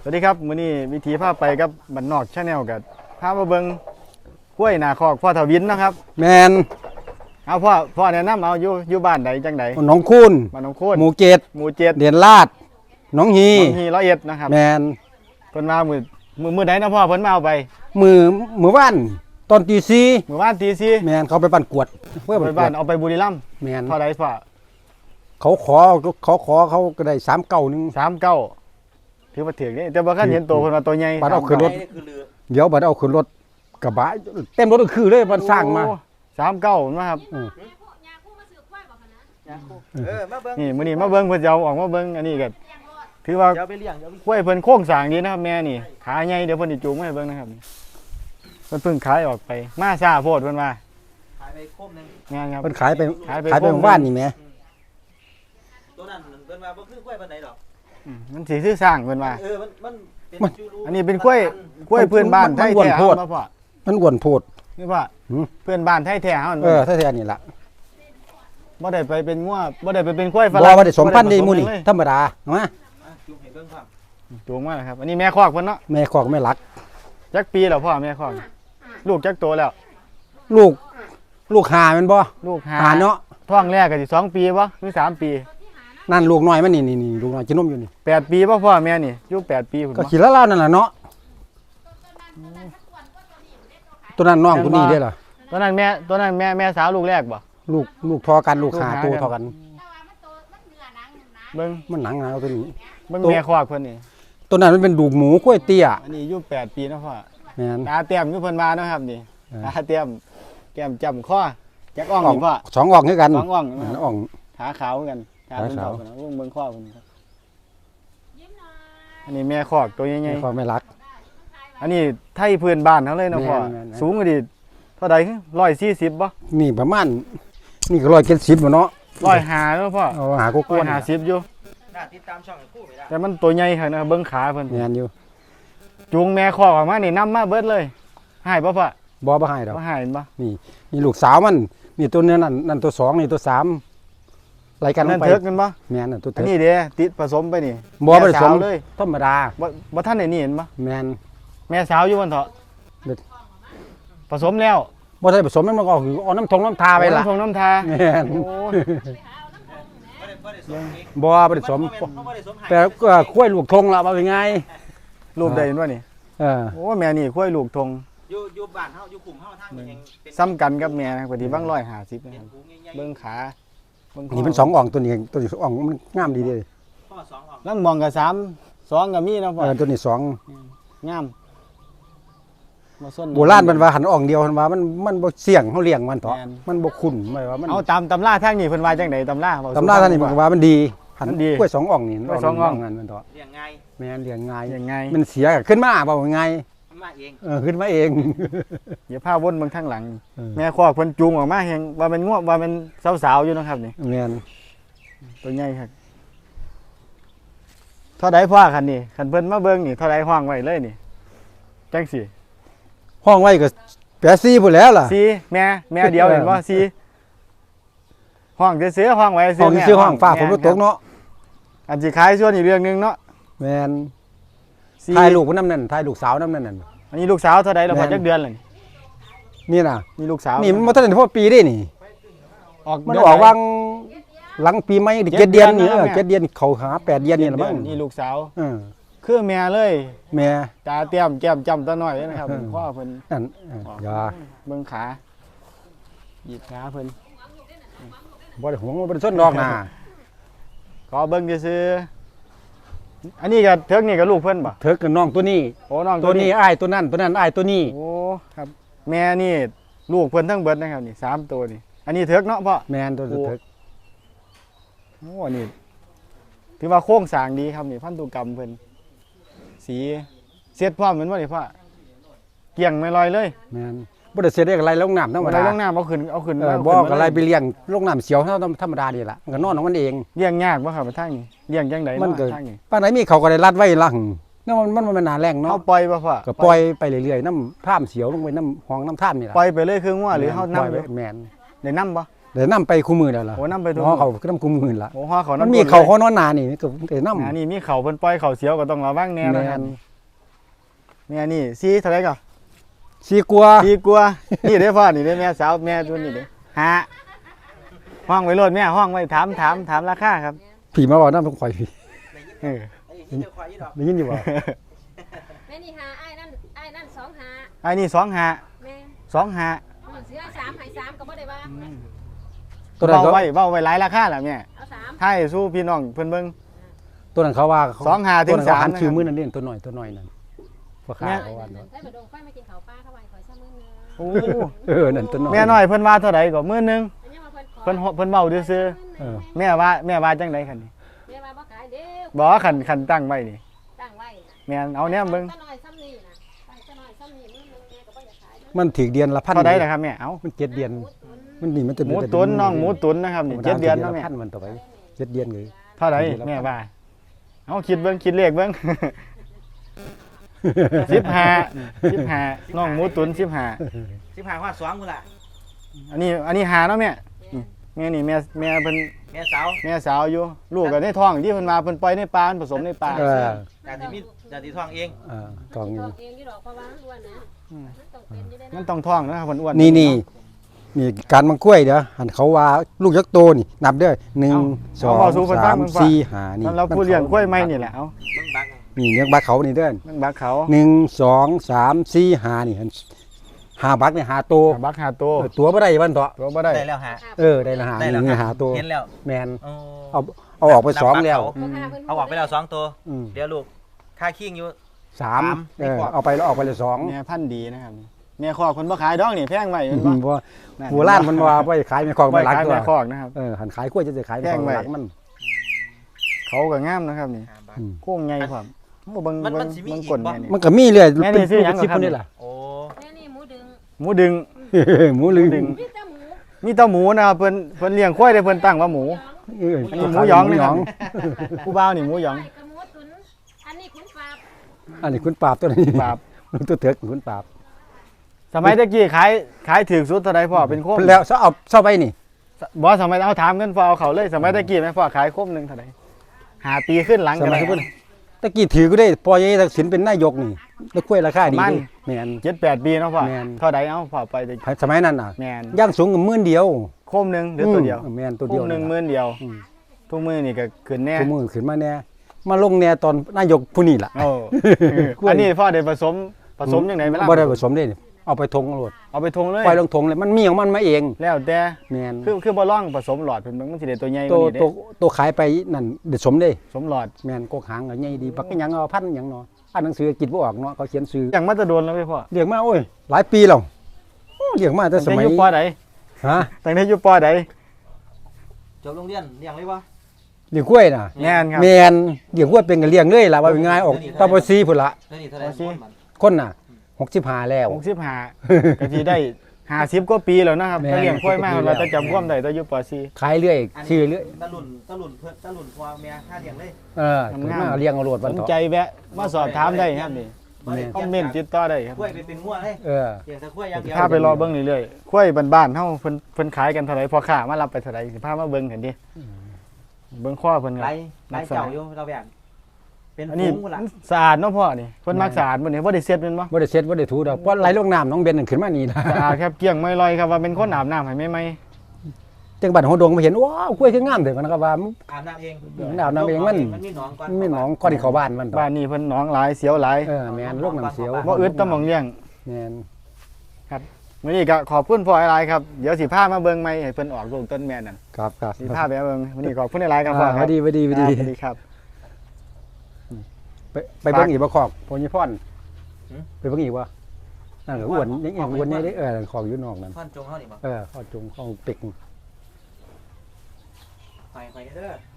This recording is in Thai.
สวัสดีครับมื้อนี้วิธีพาไปกับบ้านนอกชาแนลกับพามาเบิ่งกล้วยหน้าคอกพ่อทวินนะครับแมนเอาพ่อแนะนำเอาอยู่บ้านใดจังไดหนองคูนบ้านหนองโคนหมู่เจ็ดเดียนลาดหนองฮี 101นะครับแมนเพิ่นมามื้อใดนะพ่อเพิ่นมาเอาไปมือว่านตอนตีสี่มื้อวานตีสี่แมนเขาไปบ้านกวดไปบ้านเอาไปบุรีรัมย์แมนเท่าใดพ่อเขาขอเขาก็ได้ 39ถือว่าถึงนี่แต่บ่คันเห็นตัวเพิ่นว่าตัวใหญ่บัดเอาขึ้นรถเดี๋ยวบัดเอาขึ้นรถกระบะเต็มรถก็คือเลยมันสร้างมา 39นะครับนี่มื้อนี้มาเบิ่งเพิ่นจะเอาออกมาเบิ่งอันนี้ก็ถือว่ากล้วยเพิ่นโค้งสร้างดีนะครับแม่นี่ขาใหญ่เดี๋ยวเพิ่นสิจูงมาให้เบิ่งนะครับเพิ่นเพิ่งขายออกไปมาช้าโพดเพิ่นว่าขายไปโคมนึงงานครับเพิ่นขายไปบ้านนี่แหมตัวนั้นเพิ่นว่าบ่คือกล้วยปานใดดอกมันสิซื้อสร้างเพิ่นว่ามันเป็นจูรูอันนี้เป็นกล้วยเพื่อนบ้านไทยแท้เฮาบ่พ่อมันอ้วนโพดนี่พ่อเพื่อนบ้านไทยแท้เฮาไทยแท้นี่ล่ะบ่ได้ไปเป็นงัวบ่ได้ไปเป็นกล้วยฝรั่งบ่ได้สมพันธุ์นี่หมู่นี่ธรรมดามาจูงให้เบิ่งครับจูงมาแล้วครับอันนี้แม่คอกเพิ่นเนาะแม่คอกแม่หลักจักปีแล้วพ่อแม่คอกลูกจักโตแล้วลูกหาแม่นบ่ลูกหาเนาะท้องแรกก็สิ2ปีบ่หรือ3ปีนั่นลูกน้อยมันนี่ลูกน้อยกินนมอยู่นี่ 8ปีบ่พ่อแม่นี่อยู่8ปีพุ่นก็ขี้ละลาวนั่นล่ะเนาะตัวนั้นน้องตัวนี้เด้อล่ะตัวนั้นแม่สาวลูกแรกบ่ลูกทอกันลูกหาตัวทอกันเบิ่งมันหนังนะตัวนี้เบิ่งแม่คอกเพิ่นนี่ตัวนั้นมันเป็นดูกหมูกล้วยเตี้ยอันนี้อยู่8ปีนะพ่อแม่นตาเตี้ยมอยู่เพิ่นมาเนาะครับนี่ตาเตี้ยมแก้มจ้ำคอจักอ่องนี่พ่อ 2อ่องคือกัน 2อ่องอ่องขาขาวเหมือนกันขาเป็นขาวนะเบิ่งข้อเพิ่นครับอันนี้แม่คอกตัวใหญ่ๆพ่อไม่รักอันนี้ไทยพื้นบ้านเฮาเลยเนาะพ่อสูงก็ดีเท่าใด140บ่นี่ประมาณนี่ก็170บ่เนาะ 150เนาะพ่อหากูกวน 150อยู่น่าติดตามช่องคู่ไม่ได้แต่มันตัวใหญ่ครับนะเบิ่งขาเพิ่นแม่นอยู่จูงแม่คอกออกมานี่นำมาเบิดเลยให้บ่พ่อบ่ให้ดอกบ่ให้บ่นี่ลูกสาวมันนี่ตัวนี้นั่นตัว2นี่ตัว3รายการลงไปนั่นเถิกกันบ่แม่นตัวเถิกอันนี้เด้ติดผสมไปนี่บ่ผสมเลยธรรมดาบ่ทันได้นี่เห็นบ่แม่นแม่สาวอยู่บนเถาะผสมแล้วบ่ได้ผสมมันก็เอาน้ำทาไปล่ะน้ำทาแม่นบ่ได้สมแต่ก็คุ้ยลูกทงล่ะว่าเป็นไงรูปใดเห็นบ่นี่โอ้แม่นี่คุ้ยลูกทงอยู่บ้านเฮาอยู่กลุ่มเฮาทางนี้ซ้ำกันกับแม่นะพอดีบาง150นะครับเบิ่งขานี่เป็น2อ่องตัวนี้2อ่องมันงามดีเด้พ่อ2อ่องแล้วมองก็3 2ก็มีเนาะพ่อตัวนี้ 2งามโบราณมันว่าหันอ่องเดียวมันว่ามันบ่เสี่ยงเฮาเลี้ยงมันเถาะมันบ่คุ้นหมายว่ามันเอาตามตำราทางนี้เพิ่นว่าจังได๋ตำราทางนี้มันว่ามันดีหันกล้วย2อ่องนี่ 2อ่องมันเถาะเลี้ยงง่ายแม่นเลี้ยงง่ายมันเสียขึ้นมาบ่ง่ายมาเองขึ้นมาเองอย่าพาวนเบิ่งทางหลังแม่คอกเพิ่นจูงออกมาแฮงว่ามันง่วงว่ามันสาวๆอยู่นะครับนี่แม่นตัวใหญ่ครับเท่าใดพ่อคันนี่คันเพิ่นมาเบิ่งนี่เท่าใดห้องไว้เลยนี่จังสิห้องไว้ก็84พุ่นแล้วล่ะ 4แม่เดียวเห็นบ่4ห้องซื้อห้องไว้ซื้อห้องซื้อห้องฝากผมตกเนาะอันสิขายส่วนอีกเรื่องนึงเนาะแม่นถ่ายลูกนำนั่นถ่ายลูกสาวนำนั่นอันนี้ลูกสาวเท่าใดแล้วพอจักเดือนเลยนี่น่ะนี่ลูกสาวนี่มันบ่ทันได้พอปีเด้นี่มันออกวางหลังปีใหม่7เดือนนี่7เดือนเข้าหา8เดือนนี่ล่ะมั้งนี่ลูกสาวคือแม่เลยแม่ตาเตี้ยมแก้มจ้ำตาน้อยนะครับพ่อเพิ่นนั่นอย่าเบิ่งขาหยิบขาเพิ่นบ่ได้ห่วงบ่ได้สนดอกน่ะขอเบิ่งซื่ออันนี้ก็เถิกนี่ก็ลูกเพิ่นบ่เถิกกับน้องตัวนี้โอ้น้องตัวนี้อ้ายตัวนั้นอ้ายตัวนี้โอ้ครับแม่นี่ลูกเพิ่นทั้งเบิดนะครับนี่3ตัวนี่อันนี้เถิกเนาะพ่อแม่นตัวเถิกโอ้นี่ถือว่าโครงสร้างดีครับนี่พันธุกรรมเพิ่นสีเสียดพร้อมเหมือนว่านี่พ่อเกี่ยงไม่ลอยเลยแม่นบ่ได้เสียดอะไรลงน้ำธรรมดาลงน้ำเอาขึ้นบ่ก็อะไรไปเลี้ยงลงน้ำเสียวธรรมดานี่ล่ะมันก็นอนของมันเองเลี้ยงยากบ่ครับทางนี้เลี้ยงจังได๋มันก็ปานไหนมีเขาก็ได้รัดไว้หลังมันบ่แม่นหน้าแรงเนาะเฮาปล่อยบ่พ่อก็ปล่อยไปเรื่อยๆน้ำท่ามเสียวลงไปน้ำห้องน้ำท่ามนี่ล่ะปล่อยไปเลยคืองัวหรือเฮานำแม่นได้นำบ่เดี๋ยวนํไปคู่มือแล้วล่ะโอ้นำไปทุกน้องเขาก็นํคู่มือละโอ้ฮอเขามันนำมีเขาเขานอนหนานี่ก็เดี๋ยวนํอันนี้มีเขาเพิ่นปล่อยเขาเสียวก็ต้องระวังแน่นะครับแม่นี่ซีเท่าไหร่ก็สีกลัวซีกลัวนี่เด้อพ่อนี่เด้อแม่สาวแม่ตัวนี้เด้อฮะห้องไว้โลดแม่ห้องไว้ถามราคาครับผีมาบอกน้ำต้องข่อยผีเออไอ้ที่เจ้าควายยี่ดอกได้ยินอยู่บ่แม่นี่หาไอ้นั่นสองหาไอ้นี่2หาแม่ 2หาเสือสามหายสามก็บ่ได้ว่าตัวนั้นเบาเขาไว้หลายราคาล่ะแม่เอาสามให้สู้พี่น้องเพิ่นเบิ่งตัวนั้นเขาว่า 2 ถึงตัวนั้นเขาหัน 3 ชื่อมือนั่นเล่นตัวหน่อยนั่นพวกข้าแม่เขาว่าเนาะได้มาดงไฟมากินข้าวปลาเข้าไปขอยซ้ำมือโอ้นั่นตัวหน่อยแม่น้อยเพิ่นว่าเท่าใดก็มื้อนึงอันนี้มาเพิ่นขอเพิ่นเว้าซื่อเออๆแม่ว่าจังไดคันนี่แม่มาบ่ขายเด้อบ่คันตั้งไว้นี่ตั้งไว้แม่นเอาแนมเบิ่งตะน้อยซ้ำนี่นะตะน้อยซ้ำนี่มื้อนึงแม่ก็บ่อยากขายมันถึกเดือนละพันเท่าใดล่ะครับแม่เอ้ามัน7เดือนมันนี่มันจะหมูตุ๋นน้องหมูตุ๋นนะครับนี่7 เดือนเนาะแม่พันมันต่อไป7เดือนเลยเท่าใดแม่ว่าเอาคิดเบิ่งคิดเลขเบิ่ง 15น้องหมูตุ๋น15 15 ว่า2กูล่ะอันนี้หาเนาะแม่แม่นี่แม่เพิ่นแม่สาวแม่สาวอยู่ลูกก็ในท้องที่เพิ่นมาเพิ่นปล่อยในป่าผสมในป่าเออจากที่มีจากที่ท้องเองกองเอนี้งอยู่ดอกเพราะว่าอ้วนนะมันต้องเป็นอยู่ได้มันนะต้องท้องนะครับเพิ่นอ้วนนี่การมังกล้วยเด้อหันเขาว่าลูกยักษ์โตนี่นับเด้อ1 2 3 4 5นี่มันเราผู้เลี้ยงกล้วยไม้นี่แหละเอ้ามึงบักนี่เนื้อบักเขานี่เด้อมันบักเขา 1 2 3 4 5นี่หาบักนี่หาโตบักหาโตตัวบ่ได้วันเถาะตัวบ่ได้ได้แล้วฮะได้ละหาได้แล้วนี่หาตัวเห็นแล้วแมนโอ้เอาออกไปสองแล้วเอาออกไปแล้ว2ตัวอืมเดี๋ยวลูกค่าคิงอยู่สามดีกว่าเอาไปแล้วออกไปเลยสองแม่พันธุ์ดีนะครับแม่คอกเพิ่นบ่ขายดอกนี่แพงไว้เห็นบ่เพราะโบราณมันว่าไปขายไม่คอกบ่ไม่รักขายตัวแม่คอกนะครับหันขายกล้วยจะขายไม่คอกไม่รักมันเขาก็งามนะครับนี่ 5 บาทโค้งใหญ่พร้อมโอ้เบิ่งมันเบิ่งสิมีเบิ่งอีกก้นบ่แม่นี่มันก็มีเลยแม่นี่ซื้อหยังชิปครับคนนี้ล่ะโอ้แม่นี่หมูดึงหมูดึงหมูลืมดึงมีแต่หมูมีแต่หมูนะครับเพิ่นเลี้ยงควายได้เพิ่นตั้งว่าหมู อันนี้หมูหยองนะครับ ผู้บ่าวนี่หมูหยองกับหมูตุ๋นอันนี้ขุนฝาบอันนี้คุณปราบตัวนี้ปราบตัวเถือกคุณปราบสมัยตะกี้ขายถูกสุดเท่าใดพ่อเป็นโคมแล้วเศร้าไปนี่บ่สมัยเอาถามกันพ่อเอาเขาเลยสมัยตะกี้แม่พ่อขายโคมหนึงเท่าใด5 ปีขึ้นหลังสกันมัยได้ที่ตะกี้ถือก็ได้ปอยทักษิณเป็นนายกนี่แล้วกล้วยราคาดีประมาณแม่น 7-8 ปีเนาะพ่อแม่นเท่าใดเอาพ่อไปตะกี้สมัยนั้นน่ะแม่นย่างสูงกับมื่นเดียวโคมหนึงหรือตัวเดียวแม่นตัวโคเดียวมหนึงนั่นหมื่ล่ะนเดียวอืมทุกมื้อนี่ก็ขึ้นแน่ตัวมือขึ้นมาแน่มาลงแน่ตอนนายกผู้นี้ล่ะโอ้อันนี้พ่อได้ผสมจังได๋เวลาบ่ได้ผสมเด้เอาไปทงโลดเอาไปทงเลยปล่อยลงทงเลยมันมีของมันมาเองแล้วแต่แม่นคือบ่ลองผสมหลอดเพิ่นมันสิได้ตัวใหญ่กตัว่าว นี้เด้ตัวขายไปนั่นเด็ดสมเด้สมหลอดแม่นกกหางก็ใหญ่ดีบักหยังเอาพันหยังเนาะอ่านหนังสือกินบ่ออกเนาะเขาเขียนชื่ออย่างมาจะโดนแล้วพี่พ่อเลี้ยงมาโอ้ยหลายปีแล้วโอ้เลี้ยงมาแต่สตั้งมัแต่ยอยู่ปอใดฮะตั้งแต่อยู่ปอใดจบโรงเรียนเลี้ยงเลยบ่เลี้ยงกล้วยน่ะแม่นครับแม่นเลี้ยงกล้วยเป็นก็เลี้ยงเลยล่ะว่าง่ายออกตาบ่ซีพุ่นละเท่านี้เท่าไหร่เอาสิมันคนน่ะ65แล้ว 65ก็สิได้50กว่าปีแล้วนะครับแม่นถ้าเลี้ยงควายมา 50 เราจะจำความได้ตอนอยู่ปอซีขายเรื่อยอันนี้ชื่อเรื่อยตะลุ่นเพื่อนตะลุ่นพ่อแม่ค่าเลี้ยงเลยขึ้นมาเลี้ยงเอาโลดสวันนต่อใจแวะมาสอบถามได้ครับนี่แม่นคอมเมนต์ติดต่อได้ครับกล้วยไปเป็นงัวเลยเออเลี้ยงแต่กล้วยอย่างเดียวพาไปรอเบิ่งเรื่อยๆควายบ้านๆเฮาเพิ่นขายกันเท่าไหร่พอค้ามารับไปเท่าไหร่สิพามาเบิ่งกันดิเบิ่งข้อเพิ่นคไรรับไรเจ้าอยู่เราแบ่งเป็นอันนี้ฝูงกูล่ะสะอาดเนาะพ่อนี่เพิ่นมักสะอาดบ่นี่บ่ได้เซ็ตแม่นบ่บ่ได้เช็ดบ่ได้ถูดอกเพราะไหลลงน้ำน้องเบนนั่นขึ้นมานี่นะสะอาดครับเกลี้ยงไม่ลอยครับว่าเป็นคนอาบน้ำให้ใหม่จังบัดหัวดงมาเห็นว้าวกล้วยคืองามเด้อมันก็ว่าอาบน้ำเองอาบน้ำเองมันมันมีหนองก่อนไม่หนองก่อนที่เข้าบ้านมันต่อบ้านนี้เพิ่นหนองหลายเสียวหลายแม่นโรคน้ำเสียวบ่อึดตะหม่องเลี้ยงแม่นมื้อนี้ก็ขอบคุณพ่อหลายๆครับเดี๋ยวสิพามาเบิ่งใหม่ให้เพิ่นออกลูกต้นแม่นั่นครับครับสิพาไปเบิ่งมื้อนี้ขอบคุณหลายๆครับพ่อครับดีดีครับสวัสดีครับไปเบิ่งอีกบ่ขอกโพญิพรไปเบิ่งอีกบ่นั่นก็อ้วนยังอ้วนนี่ได้ขอกอยู่นอกนั่นท่อนจงเขานี่บ่ข้อจงข้อเป็กไปเด้อ